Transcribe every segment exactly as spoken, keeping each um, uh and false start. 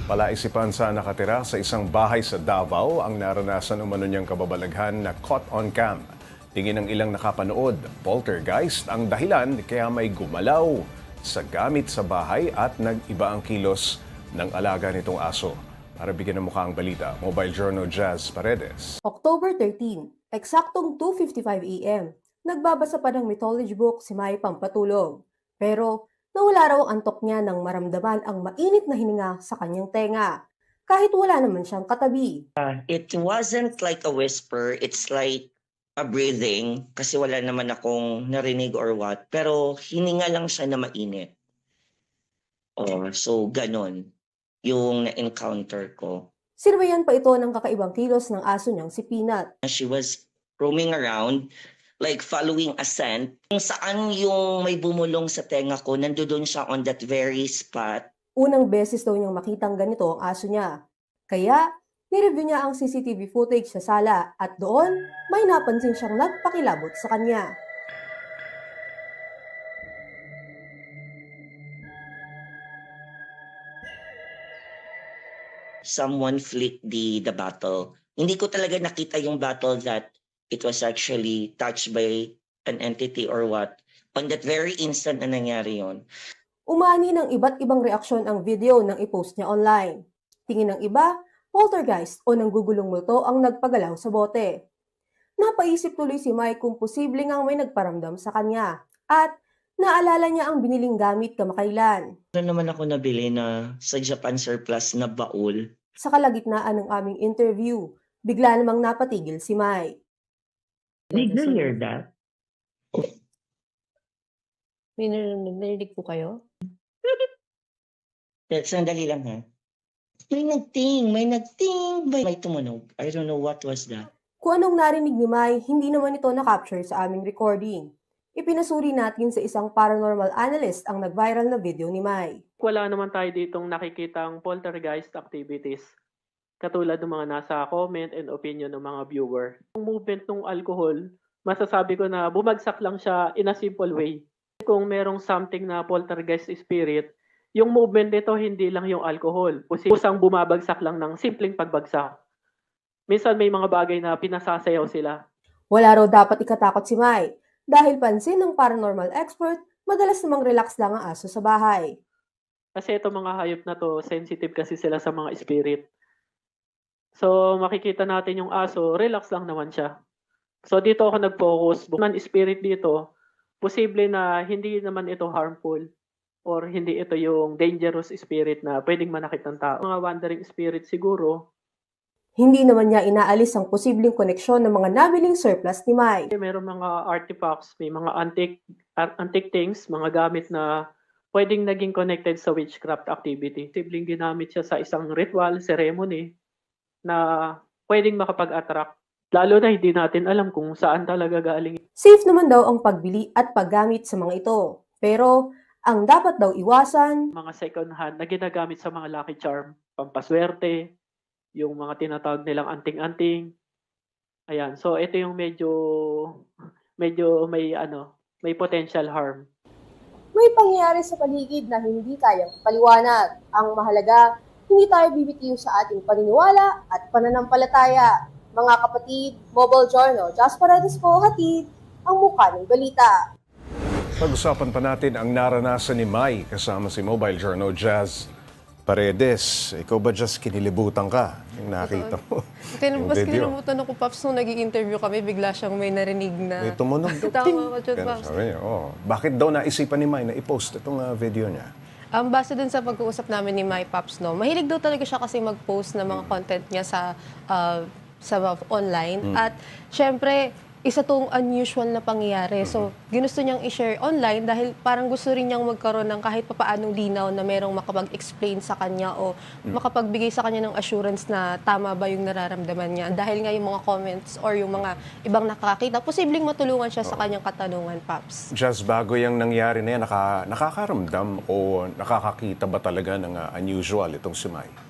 Palaisipan sa nakatira sa isang bahay sa Davao ang naranasan umano niyang kababalaghan na caught on cam. Tingin ng ilang nakapanood, poltergeist ang dahilan kaya may gumalaw sa gamit sa bahay at nag-iba ang kilos ng alaga nitong aso. Para bigyan ng mukha ang balita, Mobile Journal Jazz Paredes. October thirteenth, eksaktong two fifty-five a m, nagbabasa pa ng mythology book si Mai Pampatulog. Pero nawala raw ang antok niya nang maramdaman ang mainit na hininga sa kanyang tenga, kahit wala naman siyang katabi. It wasn't like a whisper, it's like a breathing kasi wala naman akong narinig or what. Pero hininga lang siya na mainit. Oh, so ganon yung na-encounter ko. Sirbayan pa ito ng kakaibang kilos ng aso niyang si Peanut. She was roaming around, like following a scent. Kung saan yung may bumulong sa tenga ko, nandoon siya on that very spot. Unang beses daw niyang makitang ganito ang aso niya. Kaya, nireview niya ang C C T V footage sa sala at doon, may napansin siyang nagpakilabot sa kanya. Someone flicked the the bottle. Hindi ko talaga nakita yung bottle that it was actually touched by an entity or what. On that very instant na nangyari yon. Umani ng iba't ibang reaksyon ang video nang i-post niya online. Tingin ng iba, poltergeist o nanggugulong multo ang nagpagalaw sa bote. Napaisip tuloy si Mai kung posible ngang may nagparamdam sa kanya at naalala niya ang biniling gamit kamakailan. Ano naman ako nabili na sa Japan surplus na baul? Sa kalagitnaan ng aming interview, bigla namang napatigil si Mai. Did you hear that? May narinig po kayo? Sandali lang ha. May nagting, may nagting, may, may tumunog. I don't know what was that. Kung anong narinig ni Mai, hindi naman ito na-capture sa aming recording. Ipinasuri natin sa isang paranormal analyst ang nag-viral na video ni Mai. Wala naman tayo ditong nakikitang poltergeist activities. Katulad ng mga nasa comment and opinion ng mga viewer. Ang movement ng alcohol, masasabi ko na bumagsak lang siya in a simple way. Kung merong something na poltergeist spirit, yung movement nito hindi lang yung alcohol. Kusang bumabagsak lang ng simpleng pagbagsak. Minsan may mga bagay na pinasasayaw sila. Wala raw dapat ikatakot si Mai dahil pansin ng paranormal expert, madalas namang relax lang ang aso sa bahay. Kasi itong mga hayop na to, sensitive kasi sila sa mga spirit. So makikita natin yung aso, relax lang naman siya. So dito ako nag-focus. Man spirit dito, posible na hindi naman ito harmful or hindi ito yung dangerous spirit na pwedeng manakit ng tao. Mga wandering spirit siguro. Hindi naman niya inaalis ang posibleng koneksyon ng mga nabiling surplus ni Mai. Meron mga artifacts, may mga antique, antique things, mga gamit na pwedeng naging connected sa witchcraft activity. Posibleng ginamit siya sa isang ritual, ceremony na pwedeng makapag-attract. Lalo na hindi natin alam kung saan talaga galing. Safe naman daw ang pagbili at paggamit sa mga ito. Pero ang dapat daw iwasan, Mga second hand na ginagamit sa mga lucky charm, pampaswerte, yung mga tinatawag nilang anting-anting. Ayan, so ito yung medyo medyo may ano, may potential harm. may pangyayari sa paligid na hindi kayang paliwanag. Ang mahalaga, hindi tayo bibitiw sa ating paniniwala at pananampalataya. Mga kapatid, Mobile Journal, Jazz Paredes po, hatid ang mukha ng balita. Pag-usapan pa natin ang naranasan ni Mai kasama si Mobile Journal Jazz Paredes. Ikaw ba just kinilibutan ka yung nakita mo? Yung Mas video. kinilimutan ako, Paps, nung nag-i-interview kami, bigla siyang may narinig na... May tumunog. Tama ko, Chod, Pero Paps. sabi niya, oh, bakit daw naisipan ni Mai na i-post itong uh, video niya? Um, base dun sa pag-uusap namin ni My Paps, no, mahilig daw talaga siya kasi mag-post ng mga content niya sa uh, sa online. Mm. At syempre, isa tong unusual na pangyayari. So, ginusto niyang i-share online dahil parang gusto rin niyang magkaroon ng kahit papaanong linaw na merong makapag-explain sa kanya o makapagbigay sa kanya ng assurance na tama ba yung nararamdaman niya. Dahil nga yung mga comments or yung mga ibang nakakita, posibleng matulungan siya sa kanyang katanungan, Paps. Just bago yung nangyari na yan, naka, nakakaramdam o nakakakita ba talaga ng uh, unusual itong si Mai?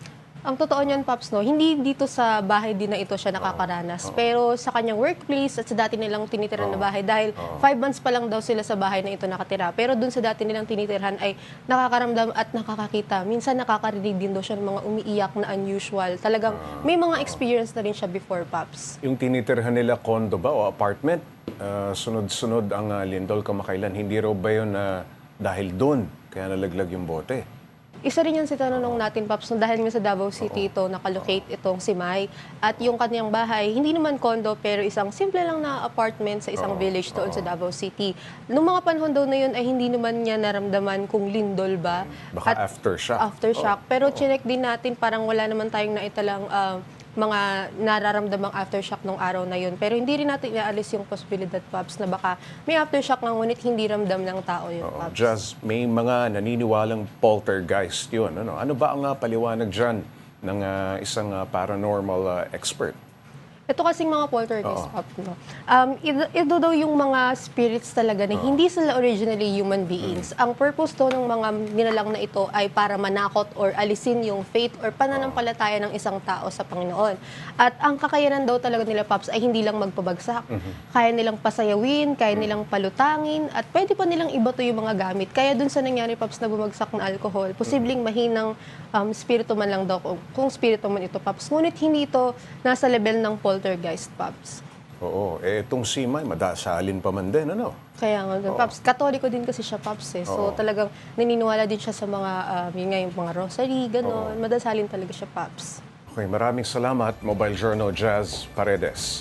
Ang totoo niyan, Paps, no, hindi dito sa bahay din na ito siya nakakaranas. Pero sa kanyang workplace at sa dati nilang tinitirahan na bahay, dahil five months pa lang daw sila sa bahay na ito nakatira. Pero dun sa dati nilang tinitirhan ay nakakaramdam at nakakakita. Minsan nakakarinig din daw siya ng mga umiiyak na unusual. Talagang may mga experience na rin siya before, Paps. Yung tinitirhan nila condo ba o apartment, ah, sunod-sunod ang ah, lindol kamakailan. Hindi raw ba yun na dahil doon kaya nalaglag yung bote? Isa rin yan si tanong natin, Paps, no, dahil nga sa Davao City ito, nakalocate itong si Mai. At yung kanyang bahay, hindi naman condo, pero isang simple lang na apartment sa isang village doon sa Davao City. Noong mga panahon daw na yun ay hindi naman niya naramdaman kung lindol ba. Baka At aftershock. aftershock. Pero chinek din natin, parang wala naman tayong naitalang ah, mga nararamdamang aftershock nung araw na yun. Pero hindi rin natin inaalis yung posibilidad, Paps, na baka may aftershock nga, ngunit hindi ramdam ng tao yun, Oo. Paps. Jazz, may mga naniniwalang poltergeist yun. Ano, ano ba ang ah, paliwanag dyan ng ah, isang ah, paranormal ah, expert? Ito kasing mga poltergeist, Pop, no? Um, ito, ito daw yung mga spirits talaga na hindi sila originally human beings. Ang purpose to ng mga nilalang na ito ay para manakot or alisin yung faith or pananampalataya ng isang tao sa Panginoon. At ang kakayanan daw talaga nila, Pops, ay hindi lang magpabagsak. Kaya nilang pasayawin, kaya nilang palutangin, at pwede pa nilang ibato yung mga gamit. Kaya dun sa nangyari, Pops, na bumagsak na alcohol, posibleng mahinang um, spirito man lang daw, kung, kung spirito man ito, Pops. Ngunit hindi ito nasa level ng poltergeist, Pops. Oo, eh itong si Mai, madasalin pa man din, ano? Kaya nga, doon, Pops. Katoliko din kasi siya, Pops, eh. So, Oo. talagang naniniwala din siya sa mga, um, yun nga, yung mga rosary, gano'n. Madasalin talaga siya, Pops. Okay, maraming salamat, Mobile Journal Jazz Paredes.